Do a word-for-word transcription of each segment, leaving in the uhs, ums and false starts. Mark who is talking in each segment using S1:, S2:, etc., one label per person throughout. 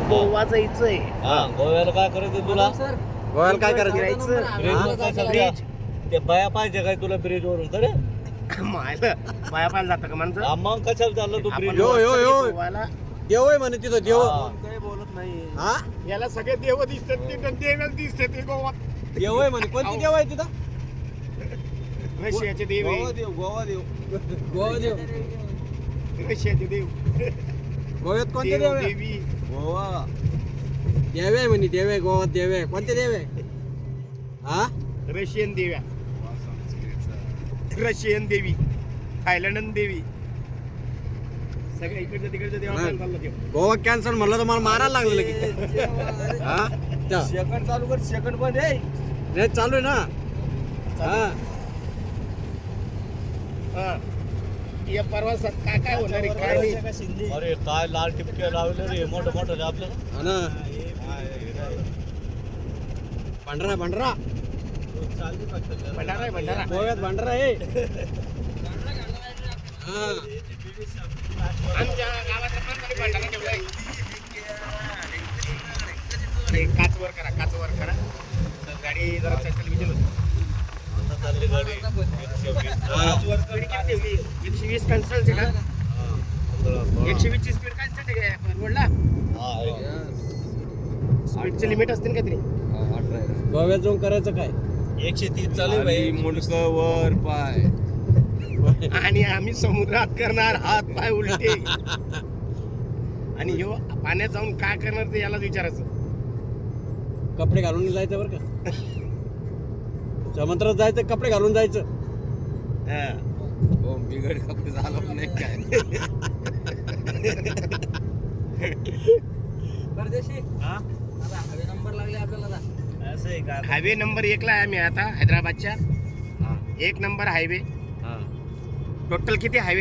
S1: गोवा जायचंय.
S2: हा गोव्याला काय करायचं तुला?
S3: गोव्याला काय करायचं?
S1: ब्रिज.
S2: ते बाया पाहिजे काय तुला ब्रिज वरून तर
S1: मायला बाया पाहायला जातं का माणसं?
S2: मग कशाला चाललं तू ब्रिज?
S3: यो, यो, यो.
S1: गोव्याला
S3: देव आहे म्हणे तिथं देव.
S1: काही बोलत नाही.
S3: हा
S1: याला सगळे देव दिसतात, ते देवच दिसतात ते गोवा.
S3: देव आहे म्हणे. कोणती देव आहे तिथं?
S1: रशियाचे देव आहे.
S3: देव गोवा देव गोवा देव
S1: रशियाचे देव.
S3: गोव्यात कोणते
S1: देव
S3: देव आहे?
S1: देवी.
S3: गोवा देव आहे म्हणे. देव आहे गोवात देव आहे. कोणते देव आहे? हा
S1: रशियन देव्या, रशियन देवी, थायलंडन देवी, सगळ्या इकडच्या तिकडच्या देवाला चाललं देव.
S3: गोवा कॅन्सल म्हणलं तर मला मारायला लागलं लगेच. हा त्या-
S2: सेकंड चालू कर. सेकंड पण आहे.
S3: रेस चालू आहे ना. हा
S1: हा. या प्रवासात काय काय होणार आहे काय नाही.
S2: अरे काय लाल टिपके लावले रे मोठं मोठं आपल्याला.
S3: हा ना. भंडारा भंडारा
S1: भंडारा आहे भंडारा.
S3: गोव्यात भंडारा आहे. हा
S1: आमच्या गावाच्या माणसाने भंडारा ठेवलाय. हे काच वर करा, काच वर करा. तर गाडी जरा चल विचार
S2: आता चालली गाडी एकशे वीस.
S1: स्पीड किती ठेवली? एकशे वीस कन्सल्ट का? एकशे वीस ची स्पीड कन्सल्ट आहे का रोडला?
S2: हा, आहे.
S1: स्पीडचे लिमिट असतील का तरी?
S3: गोव्यात जाऊन करायचं काय?
S2: एकशे तीस चालू आहे भाई.
S3: मुंडक वर पाय.
S1: आणि आम्ही समुद्रात करणार हात पाय उलटे. आणि ह्यो पाण्यात जाऊन काय करणार ते यालाच विचारायचं.
S3: कपडे घालून जायचं बरं का. समुद्रात जायचं कपडे घालून जायचं.
S1: हा.
S3: हो बिघड कपडे झालं नाही काय.
S4: परदेशी
S1: हा?
S4: आता हवे नंबर लागले आपल्याला आता.
S1: असं आहे का? हायवे नंबर एकला आहे आम्ही आता हैदराबादच्या. एक नंबर हायवे. टोटल किती हायवे?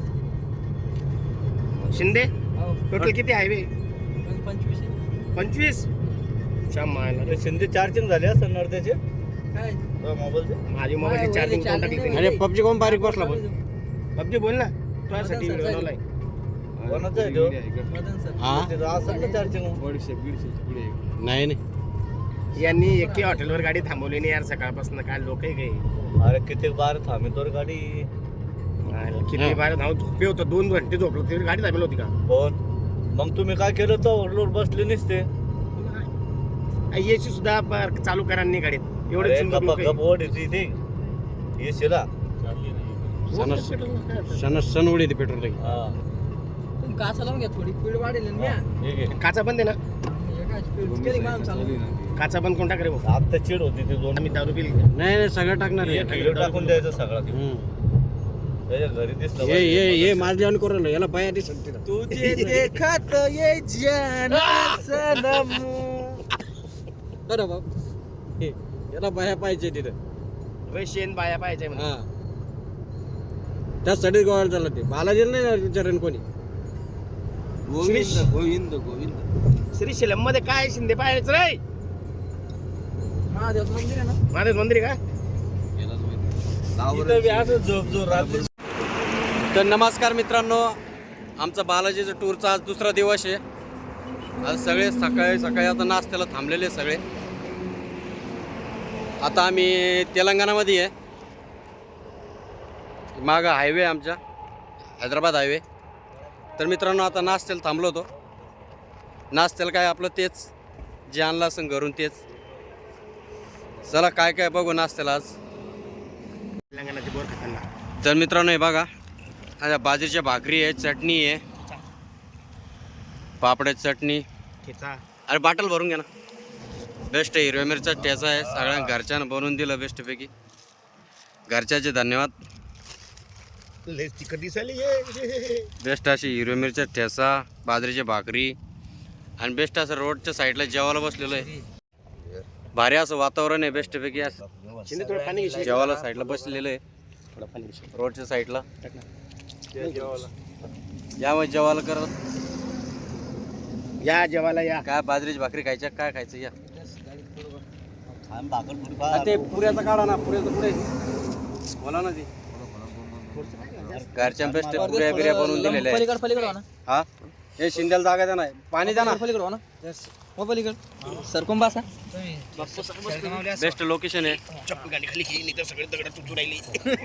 S1: शिंदे
S4: हो
S1: टोटल किती हायवे?
S4: पण पंचवीस आहे.
S1: पंचवीस. शमायला
S2: अरे शिंदे चार्जिंग झाले असं नर्द्याचे
S4: काय
S2: मोबाईलचे.
S1: माझी मोबाईलची चार्जिंग कोण टाकली त्यांनी?
S3: अरे पबजी कोण बारीक बसला पण.
S1: पबजी बोल ना. तुझ्यासाठी
S4: मदन सर,
S1: बनवलाय.
S2: कोणाचं आहे तो?
S4: मदन सर
S3: हा
S2: तिथं असं ना चार्जिंग.
S3: नाही नाही.
S1: यांनी एके हॉटेलवर गाडी थांबवली नाही यार सकाळपासून. काय लोक आहे काही.
S2: अरे किती बार थांबतोर गाडी.
S1: किती बार धाव झोपे होतं. दोन घंटे झोपलो तरी गाडी थांबली होती का?
S2: कोण मग तुम्ही काय केलं तर ओरलोर बसले नसते.
S1: एसी सुद्धा ब- चालू करा नाही गाडीत. एवढे
S2: अरे
S1: सुंदर
S2: गप्पा
S1: लोक आहे.
S2: गप ओढ येते ते येशीला.
S3: सण सण सण उडी येते पेट्रोल टाकी.
S2: हा
S4: तुम्ही काचा लावून घ्या थोडी स्पीड वाढेल ना म्या.
S2: ठीक आहे.
S1: काचा बंद आहे ना?
S4: एका स्पीड केली माणूस चालू.
S1: काचा बंद कोण टाकरे भाऊ?
S2: आता चिड होती ते दोन.
S1: आम्ही दारू पिली.
S3: नाही नाही सगळं टाकणार आहे.
S2: एक व्हिडिओ टाकून द्यायचा सगळा ते.
S3: हम्म.
S2: त्याच्या घरी दिसलं
S3: ये ये ये माझल्यावर करू राहिलो. याला बाया दिसत तिथं.
S4: तुझे देखत ये जान सनम.
S3: बरं बाप हे, याला बाया पाहिजे तिथं.
S1: रशियन बाया पाहिजे म्हणून.
S3: हा त्यासाठी गोव्याला चाललं ते. बालाजीला नाही ना विचारेन कोणी.
S1: गोविंद
S3: गोविंद गोविंद
S1: श्रीशैलम मध्ये काय शिंदे पाहायचं रे?
S4: महादेव मंदिर आहे ना.
S1: महादेव मंदिर आहे का?
S2: इथं बी असं झोप झोप रात्री.
S3: तर नमस्कार मित्रांनो, आमचा बालाजीचा टूरचा आज दुसरा दिवस आहे. आज सगळे सकाळी सकाळी आता नाश्त्याला थांबलेले सगळे. आता आम्ही तेलंगणामध्ये आहे. मागं हायवे आहे आमच्या हैदराबाद हायवे. तर मित्रांनो आता नाश्त्याला थांबलो होतो. नाश्त्याला काय आपलं तेच जे आणलं असं घरून तेच. चला काय काय बघू नाश्त्याला आज.
S1: तेलंगणाची बोर खाताना.
S3: तर मित्रांनो हे बघा, आता बाजरीच्या भाकरी आहे, चटणी आहे, पापड्याची चटणी.
S1: ठेचा.
S3: अरे बाटल भरून घ्या ना. बेस्ट आहे. हिरव्या मिरचा ठेचा आहे. सगळ्या घरच्यानं बनवून दिलं बेस्टपैकी. घरच्याचे धन्यवाद.
S1: लय तिखट दिसायली हे.
S3: बेस्ट अशी हिरव्या मिरच्या ठेचा, बाजरीची भाकरी आणि बेस्ट असं रोडच्या साईडला जेवायला बसलेलं आहे. भारी असं वातावरण आहे बेस्टपैकी. असं
S1: शिंदे थोडं पाणी घेशील?
S3: जेवायला साईडला बसलेलं आहे
S1: थोडं पाणी घेशील?
S3: रोडच्या साईडला.
S1: टाक ना.
S3: या मग जेवायला करत.
S1: या जेवायला या.
S3: काय बाजरीची भाकरी खायच्या काय खायचं या.
S2: खान भाकर पुरी
S3: हा, ते पुऱ्याचा काढा ना. पुऱ्याचं पुढे बोला ना. ती घरच्या बेस्ट पुऱ्या बिऱ्या बनवून दिलेल्या आहे.
S4: पलीकड पलीकड हो ना.
S3: हा हे शिंद्याला जागा द्या नाही पाणी द्या ना.
S4: पलीकडे हो ना हो पलीकडे सरकून बसा
S3: बेस्ट लोकेशन आहे.
S1: चप्पल गाडी खाली घेईन इथं सगळे दगड तुटू राहिली.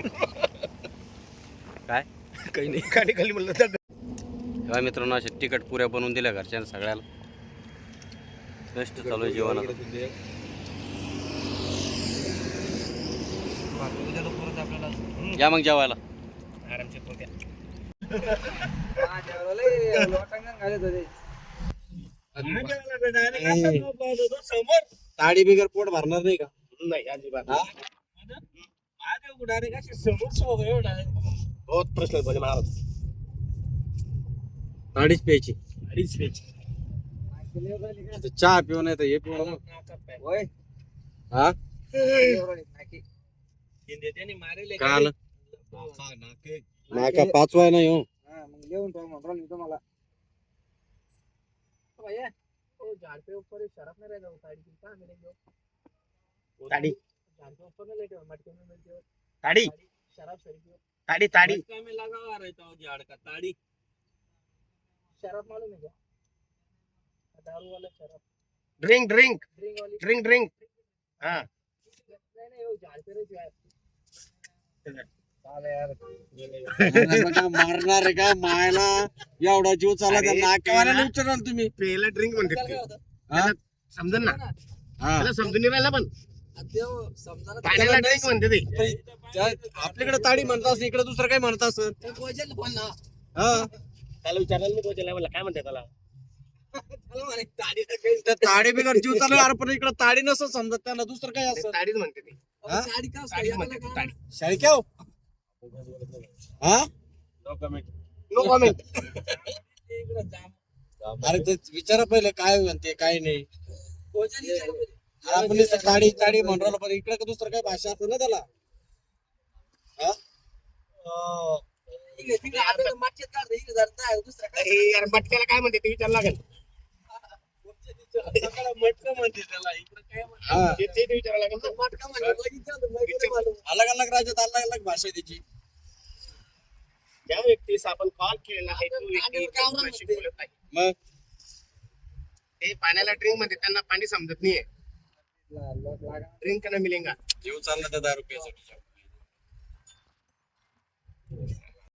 S3: काय
S1: काही नाही गाडी खाली म्हणलं दगड.
S3: तेव्हा मित्रांनो असे तिकट पुऱ्या बनवून दिल्या घरच्यांना सगळ्याला. बेस्ट चालू आहे जेवण आता. या मग जेवायला.
S1: आरामशीर पोट्या.
S3: ताडी बिगर पोट भरणार नाही का?
S1: नाही अजिबात
S3: हा?
S1: बहुत प्रश्न बोले महाराज.
S3: ताडीच प्यायची.
S1: अडीच पेज.
S3: आता चहा पिऊ नाही तर हे पिऊ नको. हा काय आलं नाका पाचवा आहे ना ह्यो.
S1: ताडी ताडी ताडी ताडी ड्रिंक ड्रिंक ड्रिंक ड्रिंक हा
S3: मारणार आहे का मायला एवढा जीव चालला त्या नाकेवाल्याला विचाराल तुम्ही.
S1: पेला ड्रिंक म्हणतात ते.
S3: हा?
S1: त्याला समजन ना
S3: हा.
S1: त्याला समजून नाही राहिला पण पाण्याला ड्रिंक म्हणते ते.
S3: त्या- आपल्याकडे ताडी म्हणत असं इकडे दुसरं काय म्हणत असं. हा
S1: त्याला विचारायला नाही पोहोचला मला काय म्हणते त्याला.
S3: त्या ताडी बिगर जीव चालू आहे, अरे पण इकडे ताडी नसं समजत त्यांना दुसरं काय असं.
S1: ताडीच म्हणते ते.
S3: हा?
S1: ताडीच म्हणते ते, ताडी.
S3: शाळक्या हो? हा
S1: नो कॉमेंट.
S3: अरे ते विचारा पहिले काय म्हणते काय नाही. आपण नुसतं ताडी ताडी म्हणून राहिलो पण इकडे का दुसरं काय भाषा असं ना त्याला. हा?
S1: अरे यार मटक्याला काय म्हणते ते विचार लागेल.
S3: मटकं म्हणते त्याला इकडे काय म्हणते. हा.
S1: ते ते विचारायला लागेल ना.
S3: अलग अलग राज्यात अलग अलग भाषा आहे त्याची.
S1: ज्या व्यक्तीस आपण कॉल केलेला आहे तो व्यक्ती कोणाशी बोलत नाही.
S3: मग
S1: ते पाण्याला ड्रिंक मध्ये त्यांना पाणी समजत नाहीये. ड्रिंक ना मिलेगा.
S3: जीव चालला त्या दारू प्यायसाठी.